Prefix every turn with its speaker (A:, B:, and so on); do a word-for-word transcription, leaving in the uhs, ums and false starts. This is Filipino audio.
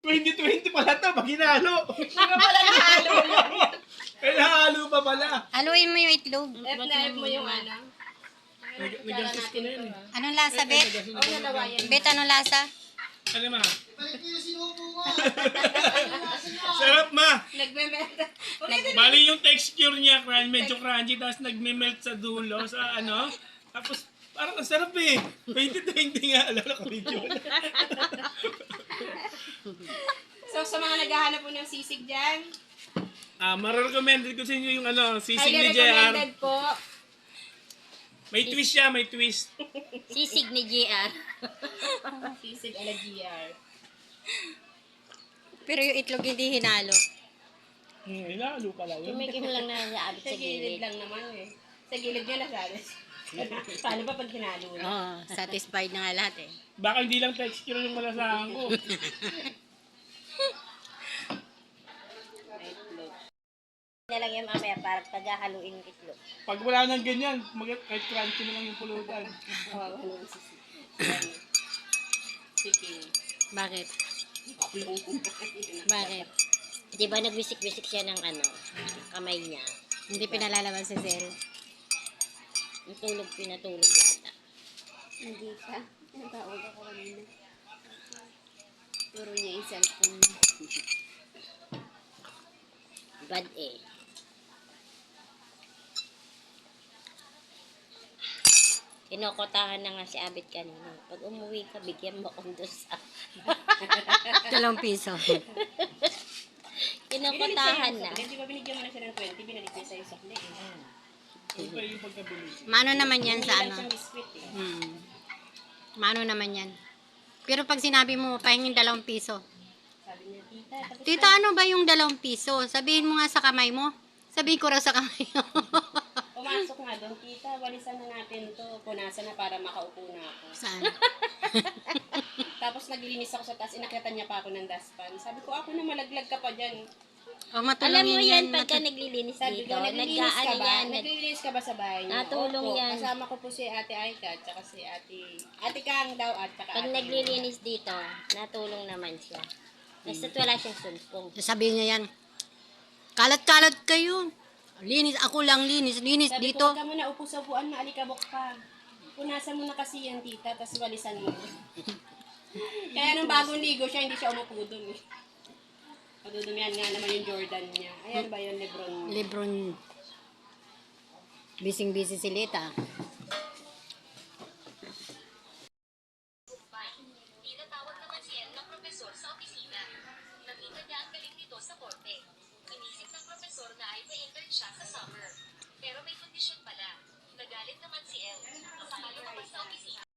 A: twenty twenty pala to, pag hinalo.
B: Hindi pa pala nahalo yun.
A: Kaya nahalo pa pala.
C: Haluin mo yung itlog.
B: F na F mo yung ano.
A: Nag- Nagastos ko na yun eh.
C: Anong lasa, Bet?
B: Oo, nalawa yan.
C: Bet, anong lasa?
A: Ano ma? Sarap ma.
B: Nagme-meta.
A: Bali yung texture niya, crunchy, medyo crunchy, tapos nagme-melt sa dulo, sa ano. Tapos parang ang sarap eh. twenty twenty nga, alala ko video.
B: So, sa mga naghahanap po ng sisig dyan,
A: Ah, mararecommended ko sa inyo yung ano, sisig
B: highly
A: ni J R.
B: recommended po.
A: May twist siya, may twist.
C: Sisig ni J R.
B: Sisig ala G R.
C: Pero yung itlog hindi hinalo.
A: Hmm, hinalo pala yun.
C: Tumikim lang na naabot
B: Sa gilid lang naman eh. Sa gilid niya nasalis. Paano ba pag hinalo na?
C: Oo, oh, satisfied na nga lahat eh.
A: Baka hindi lang texture yung malasahan ko.
C: Na lang yan mamaya para paghahaluin yung itlog.
A: Pag wala nang ganyan, mag- kahit crunchy na lang yung pulutan.
B: Oo, ano yung sisig. Chicken.
C: Bakit? Bakit? Di ba nagwisik-wisik siya ng ano, kamay niya? Hindi pinalalaman si Zel. Natulog, pinatulog yata.
B: Hindi ka. Natawag ako kanina. Puro niya yung cellphone niya.
C: Bad eh. Kinokotahan na nga si Abit kanina. Pag umuwi ka, bigyan mo akong dosa. Dalawang piso. Kinokotahan na.
B: Hindi ba binigyan mo na siya ng twenty, binalik niya sa'yo sakli eh.
A: Ano pa yung pagkabili?
C: Mano naman yan sa
B: Hindi lang
C: ano?
B: siyang biskwit eh.
C: Hmm. Mano naman yan. Pero pag sinabi mo, pahingin dalawang piso.
B: Sabi niya, tita, tapos
C: Tita, ano ba yung dalawang piso? Sabihin mo nga sa kamay mo. Sabihin ko raw sa kamay mo.
B: pumasok nga doon, tita, walisan na natin to. Punasan na para makaupo na ako.
C: Saan?
B: Tapos naglilinis ako sa taas, inakyatan niya pa ako ng dustpan. Sabi ko, ako na malaglag ka pa dyan.
C: O, matulungin
D: Alam mo yan,
C: yan.
D: pagka
C: Matu-
D: naglilinis
B: Sabi
D: dito,
B: ko, naglilinis ka
D: nag-ano
B: ba?
D: yan, nag-
B: Naglilinis ka ba sa bahay niyo?
D: Natulong
B: Opo,
D: yan.
B: Kasama ko po si Ate Aika, at saka si Ate... Ate Kang daw, at saka
D: pag
B: Ate
D: naglilinis dito, natulong naman siya. Basta't wala siyang sumpong.
C: Sabihin niya yan. Kalat-kalat kayo. Linis, ako lang linis. Linis
B: Sabi
C: dito.
B: ko, huwag ka muna upo sa upuan, maalikabok ka. Punasan mo na kasi yan, tita, tapos walisan mo. Kaya nung bagong ligo siya, hindi siya umupo doon. Eh. Padudumihan nga naman yung Jordan niya. Ayan ba yung Lebron niya?
C: Lebron. Bising-busy si Lita.
E: Tinatawag naman si El na propesor sa opisina. Nakita niya ang galing nito sa korte. Inisip ng propesor na ay pa-intern siya sa summer. Pero may kondisyon pala. Nagalit naman si El. Sa kalabas sa opisina.